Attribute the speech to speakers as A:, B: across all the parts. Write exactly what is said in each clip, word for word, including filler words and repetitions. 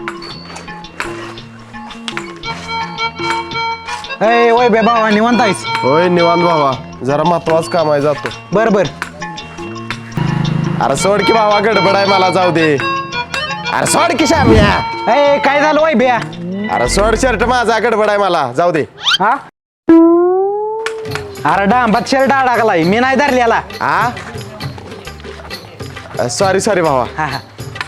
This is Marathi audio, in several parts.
A: ए वय बे भावा निवांत आहेस?
B: होय निवांत भावा, जरा महत्वाचं काम आहे, जातो.
A: बर बर.
B: अरे सोड की भावा, गडबड आहे, मला जाऊ दे. अरे सोड की श्याम्या.
A: ए काय झालं वय बिया?
B: अरे सोड शर्ट माझा, गडबड आहे, मला जाऊ दे.
A: हा अरे डांबात शर्ट अडकलाय, मी नाही धरलेला.
B: हा सॉरी सॉरी भावा.
A: हा हा.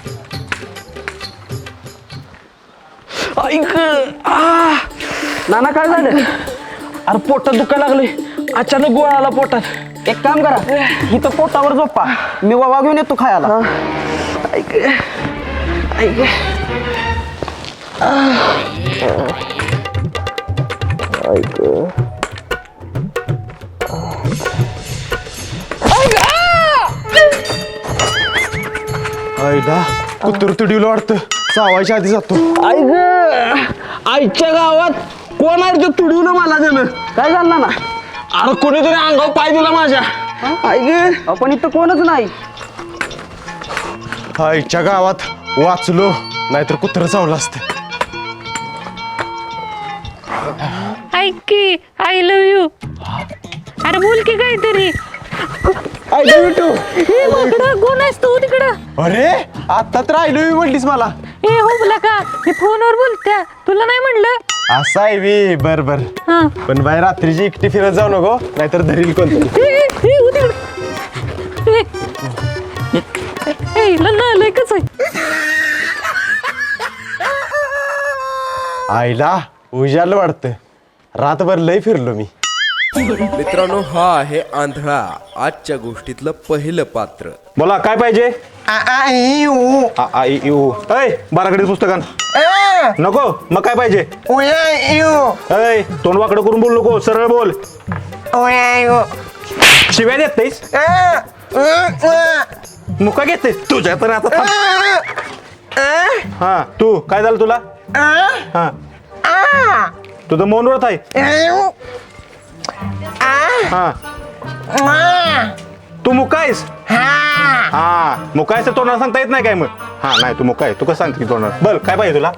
C: ऐक आ नाना काय झालं? अरे पोटात दुखायला लागले, अचानक गोळा आला पोटात.
D: एक काम करा, इथं पोटावर झोपा, मी वावा घेऊन येतो खायला.
C: ऐक ऐक
B: आईला कुत्र तुडीला वाटतं, चावायच्या आधी जातो.
C: ऐक आईच्या गावात कोण आहे ते तुडवलं मला त्यानं.
D: काय झालं ना?
C: अरे कोणीतरी अंगावर पाय दिला माझ्या. ऐक
D: आपण इथं कोणच नाही.
B: आईच्या गावात वाचलो, नाहीतर कुत्र चावलं असतं.
E: ऐक की आय लव्ह यू. अरे बोल की काहीतरी.
B: I love you too.
E: हे माकडा कोण आहेस तू तिकडं?
B: अरे आता तर आय लव्ह यू म्हटलीस मला.
E: ए हो का मी फोनवर बोलत्या, तुला नाही म्हणलं?
B: असं आहे वी. बर बर,
E: हा.
B: पण बाई रात्रीची एकटी फिरत जाऊ नको, नाहीतर धरील कोणतरी.
E: ए, ए, हो तिकडं. ए, ए, लन्ना लय कसं आहे?
B: आईला उजालं वाटतं, रातभर लय फिरलो मी.
F: मित्रांनो, हा आहे आंधळा, आजच्या गोष्टीतलं पहिलं पात्र.
G: बोला काय पाहिजे? आ, आ, इ, उ. ऐ बाराकडे पुस्तकान नको, मग काय पाहिजे? ऐ तोंड वाकडं करून बोल नको, सरळ बोल. शिव्या देत नाहीस, मुका घेत नाहीस तुझ्या तर आता थांब. हा तू काय झालं तुला? हा तुझं मौन व्रत आहे. हा तू मुकायस? हा मुकायचं तोंडाला सांगता येत नाही काय मग? हा नाही तू मुकाय, तू कसं सांगते की तोंडाला? बल काय पाहिजे तुला?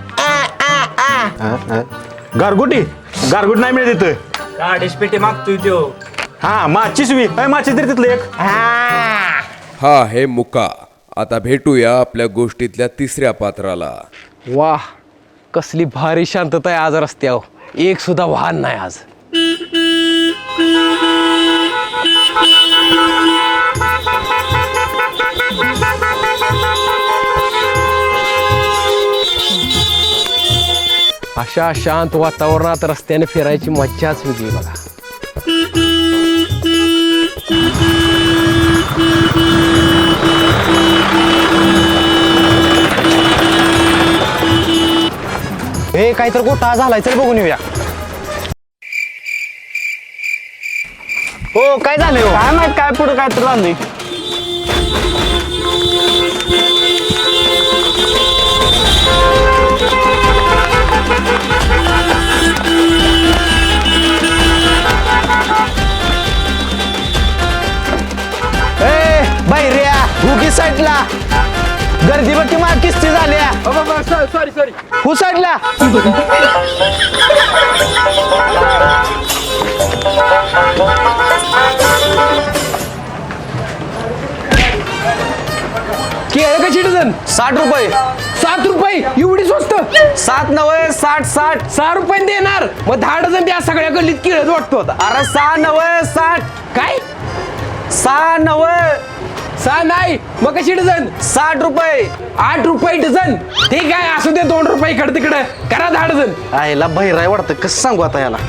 G: गारगुटी? गारगुटी नाही मिळत तिथं.
H: गाडीच पेटी मागतोय तो.
G: हा माचीस वी माचीस तरी तिथलं एक.
F: हा आहे मुका. आता भेटूया आपल्या गोष्टीतल्या तिसऱ्या पात्राला.
C: वाह, कसली भारी शांतता आहे आज रस्त्यावर, एक सुद्धा वाहन नाही आज. अशा शांत वातावरणात रस्त्याने फिरायची मज्जाच वेगळी बघा.
A: ए काहीतरी गोठा झालाय, चल बघून येऊया. हो काय झालंय?
D: काय माहित काय पुढे काय तर झालंय.
A: ए बैर्या हुकी साईडला, गर्दी बघ किंवा किस्ती झाल्या.
C: सॉरी सॉरी
A: हु साईडला.
C: केळ कशी डझन?
A: साठ रुपये.
C: सात रुपये एवढी स्वस्त?
A: सात नव्हे साठ साठ.
C: सहा रुपये देणार मग दहा डझन त्या सगळ्या गल्लीत केळच वाटतो आता.
A: अरे सहा नव्हे साठ.
C: काय?
A: सहा नव्हे
C: सहा नाही मग कशी डझन?
A: साठ रुपये.
C: आठ रुपये डझन. ठीक आहे असू दे, दोन रुपये इकडे तिकडे करा दहा डझन.
A: आईला बहिराय वाटतं, कसं सांगू आता याला.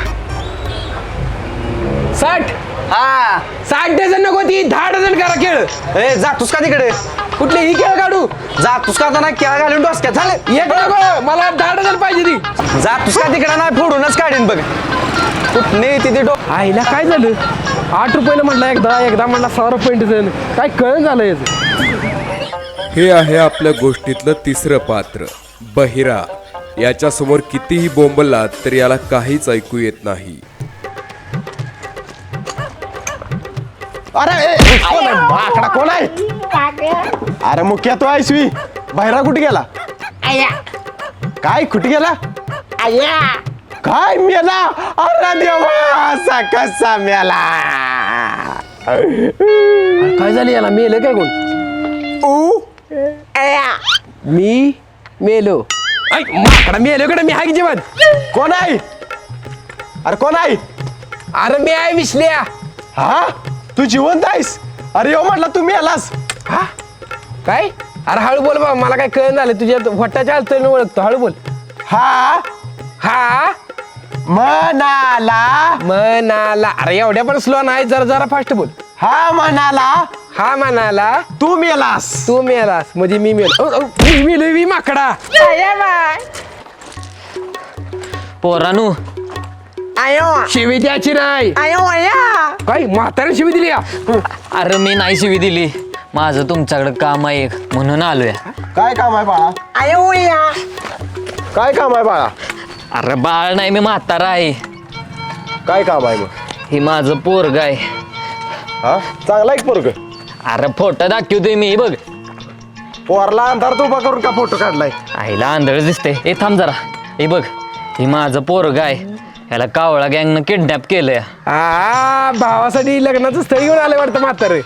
C: साठ.
A: हा
C: साठ डझन नको, ती दहा डझन करा केळ.
A: ए जातोस का तिकडे?
C: कुठले ही केळ काढू?
A: जातोस का आता? नाही केळा घालून डोसक्यात झाले.
C: एक नको, मला दहा डझन पाहिजे ती.
A: जातोस का तिकडे? नाही फोडूनच काढीन बघ. कुठने तिथे डो.
C: आईला काय झालं? आठ रुपयाला म्हटलं एकदा, एकदा म्हटलं सहा रुपये डझन. काय कळण झालं याचं?
F: हे आहे आपल्या गोष्टीतलं तिसरं पात्र, बहिरा. याच्यासमोर कितीही बोंबलात तर याला काहीच ऐकू येत नाही.
B: अरे कोण आहे? माकडा कोण आहे? अरे मुख्या तो आयसवी, बाहेरा कुठे गेला? काय कुठे गेला काय मेला अरे देवा असा कसा मेला
C: काय झालं याला मेलं काय कोण मी मेलो ऐ, माकडा मेलो कडे मी आहे की जेवण
B: कोण आहे अरे कोण आहे
C: अरे मी आहे विसल्या
B: हा तू जिवंत आहेस अरे यो म्हटलं तू मेलास
C: हा काय अरे हळू बोल बा मला काय कळण झालं तुझ्या वट्टाच्या हालचालीनं ओळखतो हळू बोल
B: हा
C: हा
B: म्हणाला
C: म्हणाला अरे एवढ्या पण स्लो नाही जरा जरा फास्ट बोल
B: हा म्हणाला
C: हा म्हणाला
B: तू मेलास
C: तू मेलास म्हणजे मी मेलो औ, औ, मी मेलो मी माकडा
H: पोरानू
C: शिवी द्यायची नाही काय म्हाताऱ्या शिवी दिली का?
H: अरे मी नाही शिवी दिली माझं तुमच्याकडे काम आहे एक म्हणून आलोय
B: काय काम आहे बाळा काय काम आहे बाळा
H: अरे बाळ नाही मी म्हातारा आहे
B: काय काम आहे मग
H: हे माझं पोरग आहे
B: हा चांगला एक पोरग
H: अरे फोटो दाखवतोय मी बघ
B: पोरला अंधारात उभा करून का फोटो काढलाय
H: आईला आंधळ दिसते ए थांब जरा हे बघ हे माझं पोरग आहे याला कावळा गँगनं किडनॅप केलंय
C: आ भावासाठी लग्नाचं स्थळ घेऊन आलं वाटतं म्हातारे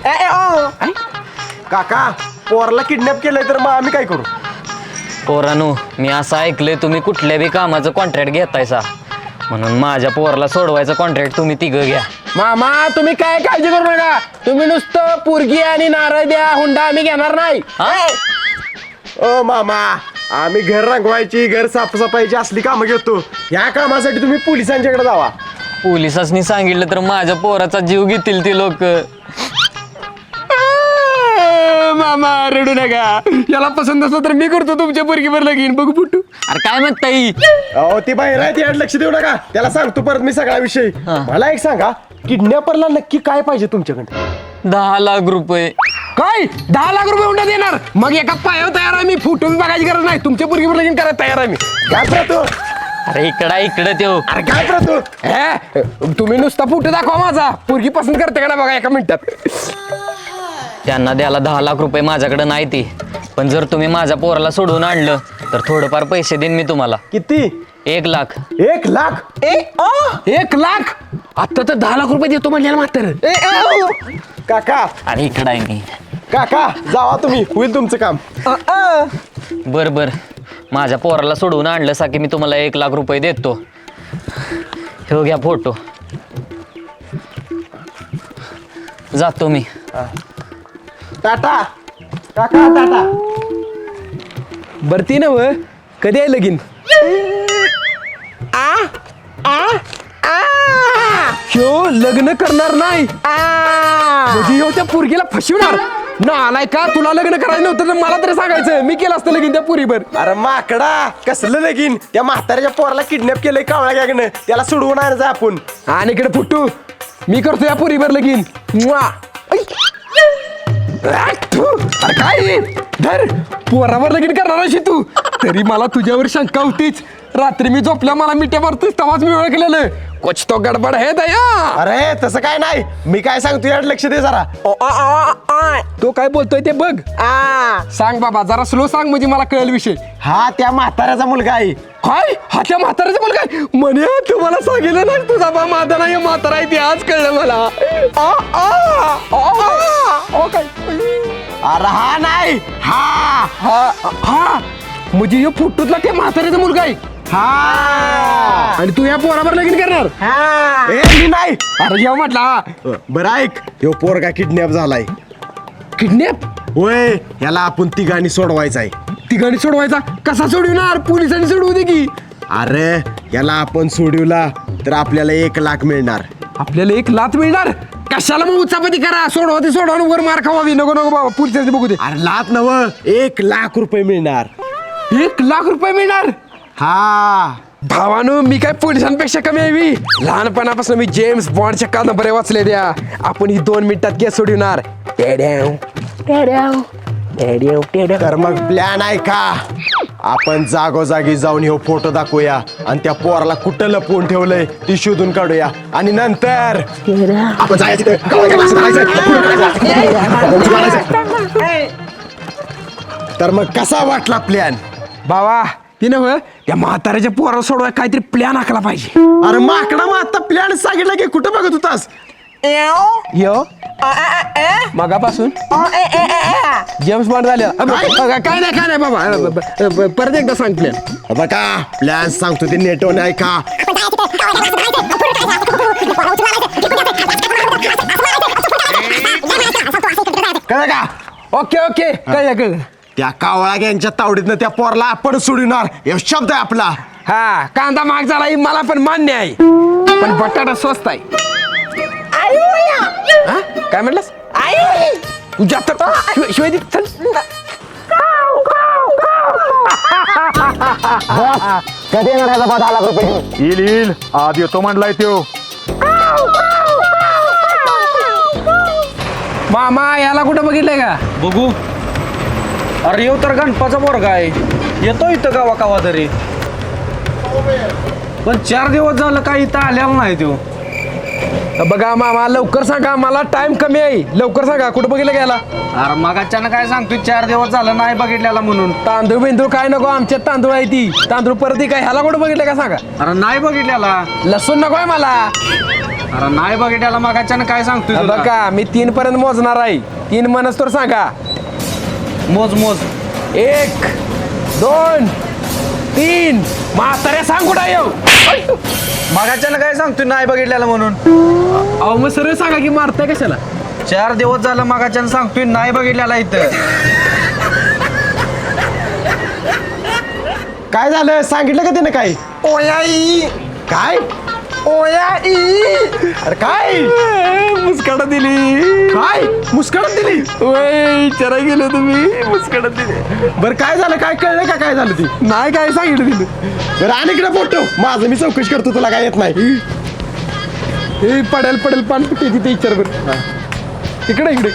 B: काका पोरला किडनॅप केलंय तर मग आम्ही काय करू
H: पोरानू मी असं ऐकलंय तुम्ही कुठल्या बी कामाचं कॉन्ट्रॅक्ट घेतायसा म्हणून माझ्या पोराला सोडवायचं कॉन्ट्रॅक्ट तुम्ही तिघं घ्या
C: मामा तुम्ही काय काळजी करू नका तुम्ही नुसतं पुरगी आणि नारळ द्या हुंडा आम्ही घेणार नाही
B: ओ मामा आम्ही घर रंगवायची घर साफसफाईची असली कामं घेतो ह्या कामासाठी तुम्ही पोलिसांच्याकडे जावा
H: पोलिसांनी सांगितलं तर माझ्या पोराचा जीव घेतील ते लोक
C: मामा रडू नका याला पसंत असलं तर मी करतो तुमच्या पोरगीवर लगीन बघू फुटू
H: अरे काय म्हणता येई
B: अहो ती बाहेर आहे त्याकडे लक्ष देऊ नका त्याला सांगतो परत मी सगळा विषय मला एक सांगा किडनॅपरला नक्की काय पाहिजे तुमच्याकडे
H: दहा लाख रुपये
C: काय दहा लाख रुपये हुंडा देणार मग एका पायावर तयार आहे मी फुटू बघायची गरज नाही तुमच्या पोरगीवर लगीन करायला तयार आहे मी
B: काय प्रतो
H: अरे इकडा इकडे त्यो
B: अरे काय प्रतो
C: हे तुम्ही नुसता फुटू दाखवा माझा पोरगी पसंत करते का ना बघा एका मिनिटात
H: त्यांना द्यायला दहा लाख रुपये माझ्याकडे नाही ती पण जर तुम्ही माझ्या पोराला सोडून आणलं तर थोडंफार पैसे देईन मी तुम्हाला
B: किती
H: एक लाख
B: एक लाख
C: एक लाख आता तर दहा लाख रुपये देतो म्हणल्याला मात्र
B: काका
H: अरे इकडं आहे मी
B: काका जावा तुम्ही होईल तुमचं काम
H: बर बर माझ्या पोराला सोडून आणलं सा की मी तुम्हाला एक लाख रुपये देतो हे घ्या फोटो जातो मी
B: टाटा काका टाटा
C: बरती ना व कधी आहे लगीन ह्यो लग्न करणार नाही म्हणजे ह्यो त्या पोरगीला फसवणार ना आलाय का तुला लग्न करायचं नव्हतं तर मला तरी सांगायचं मी केलं असतं लगीन त्या पुरीवर
B: अरे माकडा कसलं लगीन त्या म्हाताऱ्याच्या पोराला किडनॅप केलंय कावळा गॅगनं त्याला सोडवून आणायचं आपण
C: आणि इकडे फुटू मी करतो या पुरीवर लगीन म्वा. ऐ. आ, थू. अरे काय हे? धर पोरावर लगीन करणार अशी तू तरी मला तुझ्यावर शंका होतीच रात्री मी झोपल्या मला मिठ्या मारतोय तेव्हाच मी ओळखलेलं कुछ तो गडबड है दया
B: अरे तसं काय नाही मी काय सांगतो याकडे लक्ष दे जरा
C: तो काय बोलतोय ते बघ सांग बाबा जरा स्लो सांग म्हणजे मला कळेल विषय
B: हा त्या म्हाताऱ्याचा मुलगा आहे
C: काय हा त्या म्हाताऱ्याचा मुलगा आहे? म्हणे तुम्हाला सांगितलं नाही तुझा बा माझा नाही म्हातारा आहे ते आज कळलं मला आ, आ, आ, आ. ओ काय
B: अरे हा नाही हा
C: हा हा म्हणजे ह्यो फुटूतला त्या म्हाताऱ्याचा मुलगा आहे
B: हा
C: आणि तू या पोरावर लगीन करणार
B: ए मी नाही
C: अरे जेव्हा म्हटला
B: बरं ऐक ह्यो पोरगा किडनॅप झालाय
C: किडनॅप
B: होय याला आपण तिघांनी सोडवायचा आहे
C: तिघांनी सोडवायचा कसा सोडविणार पोलिसांनी सोडवू दे की
B: अरे याला आपण सोडवला तर आपल्याला एक लाख मिळणार
C: आपल्याला एक लात मिळणार कशाला मग उचापती करा सोडवा ते सोडवा आणि वर मार खावावी नको नको बाबा पोलिसांनी बघू दे
B: अरे लाख नव एक लाख रुपये मिळणार
C: एक लाख रुपये मिळणार
B: हा
C: भावानो मी काय पोलिसांपेक्षा कमी आहे मी लहानपणापासून मी जेम्स बॉन्डच्या कादंबऱ्या वाचले द्या आपण ही दोन मिनिटात केस सोडवणार टेड्याव, टेड्याव, टेड्याव, टेड्याव.
B: तर मग प्लॅन आहे का आपण जागोजागी जाऊन हे फोटो दाखवूया आणि त्या पोराला कुठं लपवून ठेवलंय ती शोधून काढूया आणि नंतर आपण जायचं तिथे. तर मग कसा वाटला प्लॅन
C: बाबा ती नव्ह त्या म्हाताऱ्याच्या पोराला सोडवाय काहीतरी प्लॅन आखला पाहिजे.
B: अरे माकडा मग आता प्लॅन सांगितलं की कुठं बघत होतास?
C: यो मगापासून जेम्स बॉन्ड झाले. काय नाही काय नाही बाबा ब- ब- परत एकदा सांग प्लॅन.
B: बघा प्लॅन सांगतो ते नेटवर नाही का? कळलं का?
C: ओके ओके कळलं कळलं.
B: त्या कावळा गँगच्या तावडीतनं त्या पोरला आपण सोडणार हे शब्द आहे आपला.
C: हा कांदा महाग झाला ही मला पण मान्य आहे पण बटाटा स्वस्त आहे. हा? काय म्हटलंस तुझ्या तर शिवाय- शिवाय दे, चल.
A: कधी येणार ह्याचा दहा लाख रुपये घेऊन?
G: येईल येईल आज येतो म्हणलाय त्यो.
C: मामा याला कुठं बघितलंय का?
D: बघू. अरे येऊ तर गणपाचा पोरगा आहे, येतो इथं गावा कावा तरी, पण चार दिवस झालं काही इथं आलेला नाही तो.
C: बघा मामा लवकर सांगा मला टाइम कमी आहे. लवकर सांगा कुठं बघितलं गेला?
D: अरे मग अचानक काय सांगतोय चार दिवस झालं नाही बघितलेला म्हणून.
C: तांदूळ बिंदूळ काय नको आमच्यात तांदूळ आहे ती तांदूळ परत ती काय ह्याला कुठं बघितलं का सांगा?
D: अरे नाही बघितलेला.
C: लसूण नको आहे मला.
D: अरे नाही बघितलेला मग अचानक काय सांगतोय तुला?
C: बघा मी तीन पर्यंत मोजणार आहे. तीन मनस तर सांगा.
D: मोज मोज.
C: एक दोन तीन म्हाताऱ्या सांग कुठं येऊ.
D: मग अचानक काय सांगतोय नाही बघितलेला म्हणून?
C: अहो मग सरळ सांगा की मारताय कशाला?
D: चार दिवस झालं मग अचानक सांगतोय नाही बघितलेला इथं.
B: काय झालं सांगितलं का त्यानं काय? ओयाई काय? ओयाई अरे काय?
C: मुस्काडा दिली.
B: काय मुस्काळत दिली?
C: वय चरा गेलो तुम्ही मुस्काडा दिली.
B: बरं काय झालं? काय कळलं का काय झालं ती?
C: नाही काय सांगितलं तिने.
B: बरं आणि इकडे फोटो माझं मी चौकशी करतो तुला काय येत नाही.
C: हे पडेल पडेल पान पिटे तिथे विचार बरं. इकडे इकडे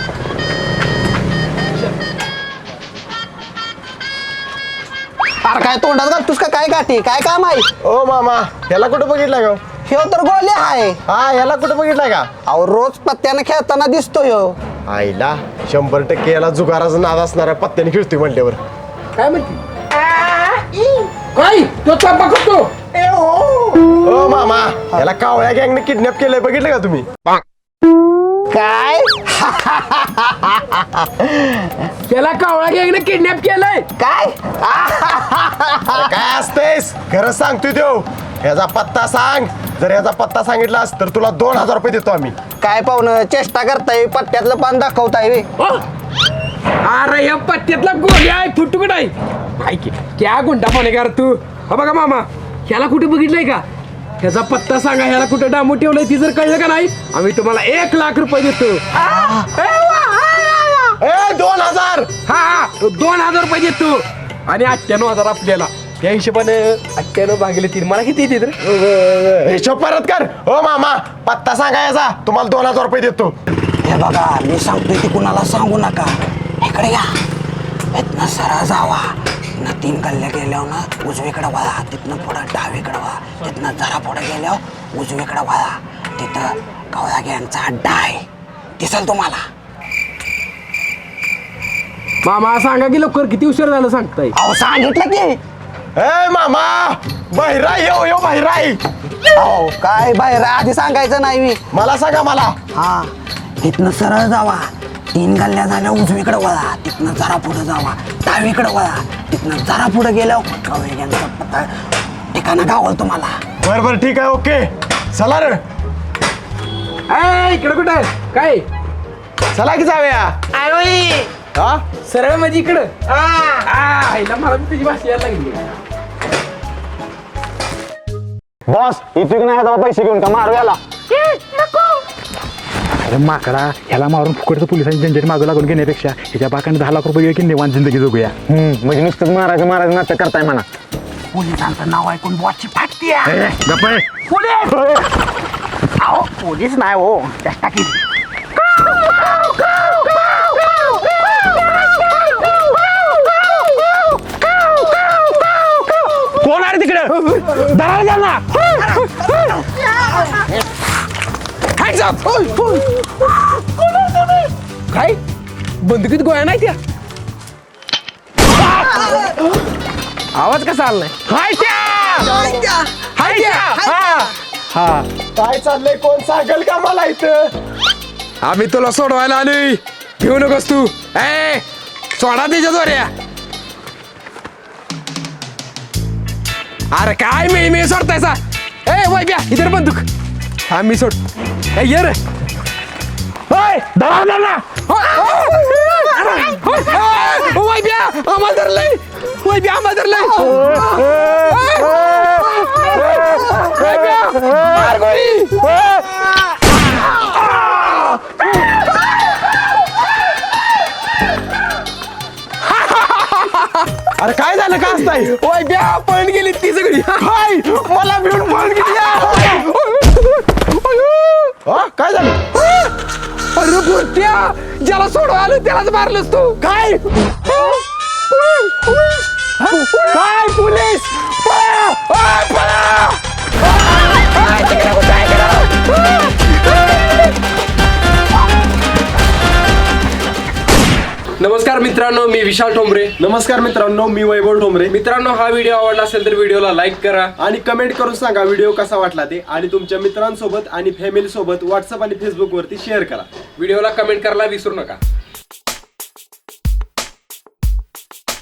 A: अरे काय तोंडात घालतोस का काय गाठी काय काम आहे?
B: ओ मामा ह्याला कुठं बघितलं का?
A: ह्यो तर गोले आहे.
B: हा ह्याला कुठं बघितलंय का?
A: अहो रोज पत्त्यानं खेळताना दिसतो ह्यो.
B: आईला शंभर टक्के याला जुगाराचा नाद असणारा पत्त्याने खेळतोय म्हणल्यावर.
C: काय म्हणते काय तो चापा करतो.
B: ओ मामा याला कावळ्या गँगने किडनॅप केलंय बघितलं का तुम्ही?
A: काय
C: त्याला कावळा गँगने किडनॅप केलंय.
A: काय
B: अरे काय असतेस खरं सांगतोय त्यो. ह्याचा पत्ता सांग. जर ह्याचा पत्ता सांगितलास तर तुला दोन हजार रुपये देतो आम्ही.
A: काय पाहुणं चेष्टा करताय? पत्त्यातलं पान दाखवताय बे.
C: ओ! अरे या पत्त्यातला गोळ्या आहे फुटुकड आहे. काय की क्या गुंडा पाने कर तू. हा बघा मामा ह्याला कुठे बघितलंय का? ह्याचा पत्ता सांगा. ह्याला कुठे डामू ठेवलंय ती जर कळलं का नाही आम्ही तुम्हाला एक लाख रुपये देतो.
B: ए दोन हजार.
C: हा हा दोन हजार रुपये देतो आणि अठ्ठ्याण्णव हजार आपल्याला. त्या हिशोबाने अठ्ठ्याण्णव भागले तीन मला किती येते तर?
B: हिशोब परत कर. हो मामा पत्ता सांगा याचा तुम्हाला दोन हजार रुपये देतो.
A: हे बघा मी सांगतोय ते कुणाला सांगू नका. इकडे या. इथनं सरळ जावा. तिथनं तीन गल्ल्या गेल्यावर ना उजवीकडे वळा. तिथनं पुढं डावीकडे वळा. तिथनं जरा पुढे गेल्यावर उजवीकडे वळा. तिथं कावळा गँगचा अड्डा आहे दिसल तुम्हाला.
C: मामा सांगा की लवकर किती उशीर झालं सांगताय.
A: अहो सांगितलं की.
B: ए मामा बहिराई येऊ येऊ बहिराई.
A: अहो काय बाहेर आधी सांगायचं नाही मी.
B: मला सांगा मला.
A: हा तिथनं सरळ जावा. तीन गल्ल्या झाल्या उजवीकडे वळा. तिथनं जरा पुढे जावा. डावीकडे वळा. तिथनं जरा पुढे गेल्यावर कावळा गँगचा पत्ता ठिकाणं गावल तुम्हाला.
B: बर बर ठीक आहे ओके चला रे.
C: ए इकडे कुठं आहे? काय
B: चला की जाऊया. हा
C: सरळ म्हणजे इकडं. आ, हिला मला बी तुझी भाषा यायला लागली.
A: बॉस इथून नाही आता पैसे घेऊन का मारू याला.
G: अरे माकडा ह्याला मारून फुकटचं पोलिसांची झंझट मागं लागून घेण्यापेक्षा ह्याच्या बाकाने दहा लाख रुपये की निवांत जिंदगी जगूया.
A: म्हणजे नुसतं महाराज महाराज नाटक करताय म्हणा. पोलिसांचं नाव ऐकून बॉसची फाटती.
G: गप्प आहे.
A: अहो पोलीस नाही हो चेष्टा केली.
C: कोण आहे तिकडे? दरार द्या ना. Hands up! काय बंदुकीत गोळ्या नाही त्या? आवाज कसा आला नाही हाय त्या हाय त्या हा
B: हा काय चाललंय कोण सांगेल का मला इथं
C: आम्ही तुला सोडवायला आलोय घेऊ नकोस तू ए सोडा त्याच्या दोऱ्या अरे काय मी मी सोडतायसा ए वय ब्या इधर बंदूक हा मी सोड ए ये रे वय ब्या आम्हाला धरलंय वय ब्या आम्हाला धरलंय वय ब्या मार गोळी
B: अरे काय झालं का असताय
C: वय ब्या पळून गेली ती सगळी
B: काय मला भिवून पळून गेली हा, काय झालं
C: अरे बुरट्या ज्याला सोडवा आलं त्यालाच मारलंस तू
B: काय
C: काय पोलीस पळा! आ, पळा! नमस्कार मित्रांनो मी विशाल ठोंबरे
B: नमस्कार मित्रांनो मी वैभव ठोंबरे
C: मित्रांनो हा व्हिडिओ आवडला असेल तर व्हिडिओला लाईक करा
B: आणि कमेंट करून सांगा व्हिडिओ कसा वाटला ते आणि तुमच्या मित्रांसोबत आणि फॅमिली सोबत व्हॉट्सअप आणि फेसबुक वरती शेअर करा
C: व्हिडिओला कमेंट करायला विसरू नका